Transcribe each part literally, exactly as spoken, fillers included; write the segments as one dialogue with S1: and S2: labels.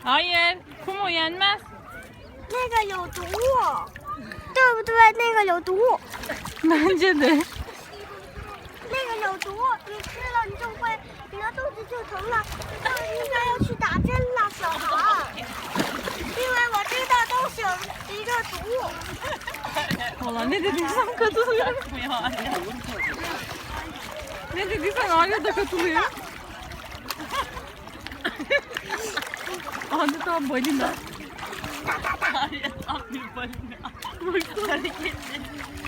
S1: Hayır. Kum o yenmez.
S2: 那个有毒，对不对？那个有毒，
S1: Bence de.
S2: 那个有毒，你吃了你就会，你的肚子就疼了，就应该要去打针了，小孩。因为我知道都是有一个毒。
S1: Valla ne dediysem katılıyorum. Ne dediysen Arya da katılıyor. Adeta balina.
S3: Arya tam bir balina. Baksana hareketli.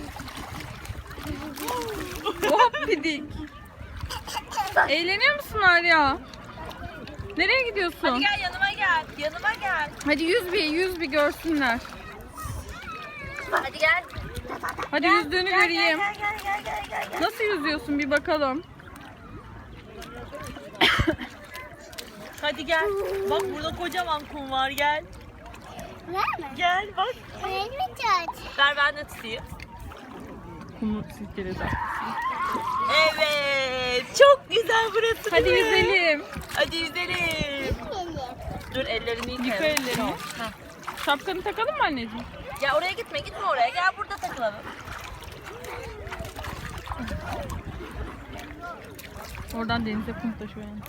S1: Hop pidik. Eğleniyor musun Arya? Nereye gidiyorsun?
S3: Hadi gel yanıma gel. Yanıma gel.
S1: Hadi yüz bir, yüz bir görsünler.
S3: Hadi gel.
S1: Hadi yüzdüğünü göreyim.
S2: Gel gel gel gel gel. gel.
S1: Nasıl yüzüyorsun bir bakalım.
S3: Hadi gel. Bak burada kocaman kum var gel.
S2: Var mı?
S3: Gel bak.
S2: Elimi tut.
S3: Ver ben de tutayım.
S1: Kumu silkeledi.
S3: Evet. Çok güzel burası.
S1: Hadi
S3: be.
S1: yüzelim.
S3: Hadi yüzelim. Dur ellerini
S1: Yıka
S3: yıkayalım.
S1: ellerini.
S3: Heh.
S1: Şapkanı takalım mı anneciğim?
S3: Ya oraya gitme gitme oraya. Gel burada takılalım.
S1: Oradan denize kum taşıyor yani.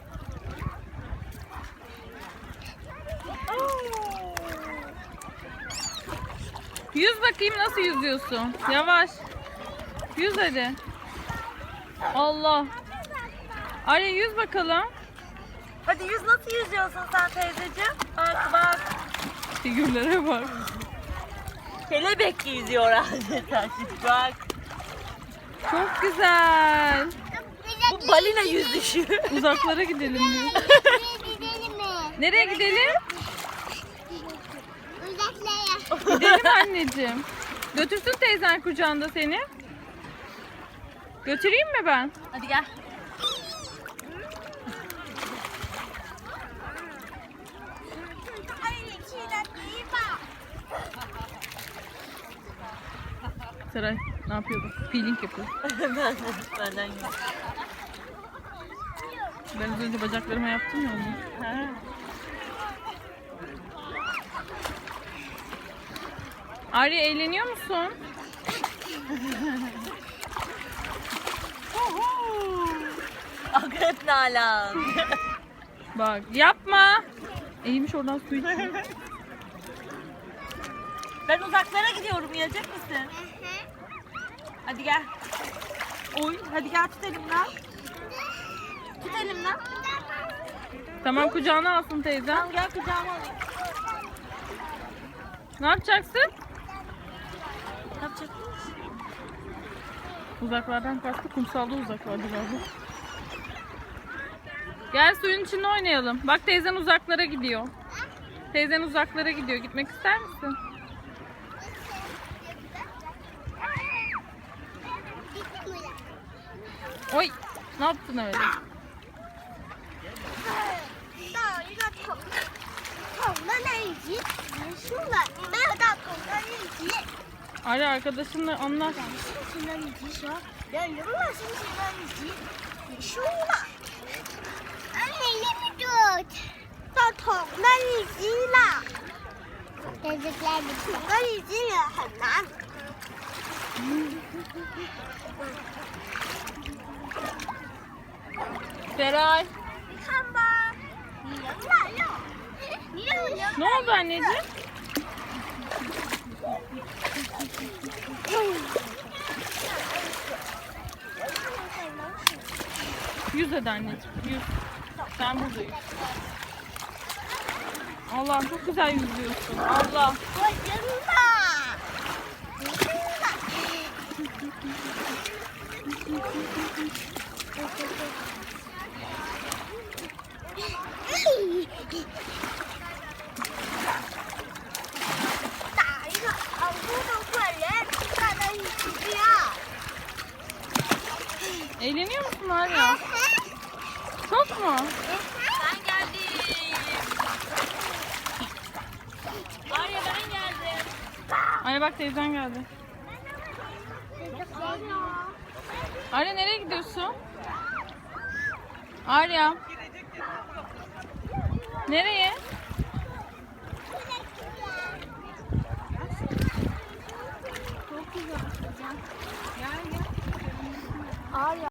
S1: Yüz bakayım nasıl yüzüyorsun. Yavaş. Yüz hadi. Allah. Arya yüz bakalım.
S3: Hadi yüz nasıl yüzüyorsun sen teyzeciğim? Bak bak.
S1: Figürlere bak.
S3: Kelebek yüzüyor adeta. Bak.
S1: Çok güzel.
S3: Bu balina yüzüşü.
S1: Uzaklara gidelim diyor.
S2: Gidelim mi?
S1: Nereye gidelim?
S2: Uzaklara.
S1: Gidelim anneciğim. Götürsün teyzen kucağında seni. Götüreyim mi ben?
S3: Hadi gel.
S1: Saray ne yapıyor bu? Peeling yapıyor.
S3: ben, benden yüz.
S1: Ben az önce bacaklarıma yaptım ya onu.
S3: Ha.
S1: Arya eğleniyor musun?
S3: Akrep Nalan.
S1: Bak yapma. Eğilmiş oradan su içiyor.
S3: Ben uzaklara gidiyorum. Gelecek misin? Hadi gel. Oy, hadi gel tut elimden. Tut elimden.
S1: Tamam kucağına alsın teyzem.
S3: Tamam gel kucağıma alayım.
S1: Ne yapacaksın?
S3: Ne yapacak?
S1: Uzaklardan kastı kumsalda uzaklardı galiba. Gel suyun içinde oynayalım. Bak teyzen uzaklara gidiyor. Teyzen uzaklara gidiyor. Gitmek ister misin? Oy! Ne yaptın öyle?
S2: 到一个桶桶的那一集结束了，你没有到桶的一集。
S1: Arya arkadaşınla anlat.
S2: 心情的一集时，连娱乐心情的一集结束了。Elimi tut. 到桶的一集了。Çocuklar bir桶的一集也很难。
S1: Seray.
S2: 看吧，你赢了又，你又赢了。
S1: Ne oldu anneciğim? Yüz hadi anneciğim. Yüz. Sen burada yüz. Allah çok güzel yüzüyorsun. Allah.
S2: 我赢了，你赢了。 打一个好多的怪人站在一起呀！
S1: Eğleniyor musun Arya? Çok mu?
S3: Ben geldim. Arya ben geldim.
S1: Arya bak teyzen geldi. Arya nereye gidiyorsun? Arya. Nereye?
S2: oynayacağım. Gel gel. Ağır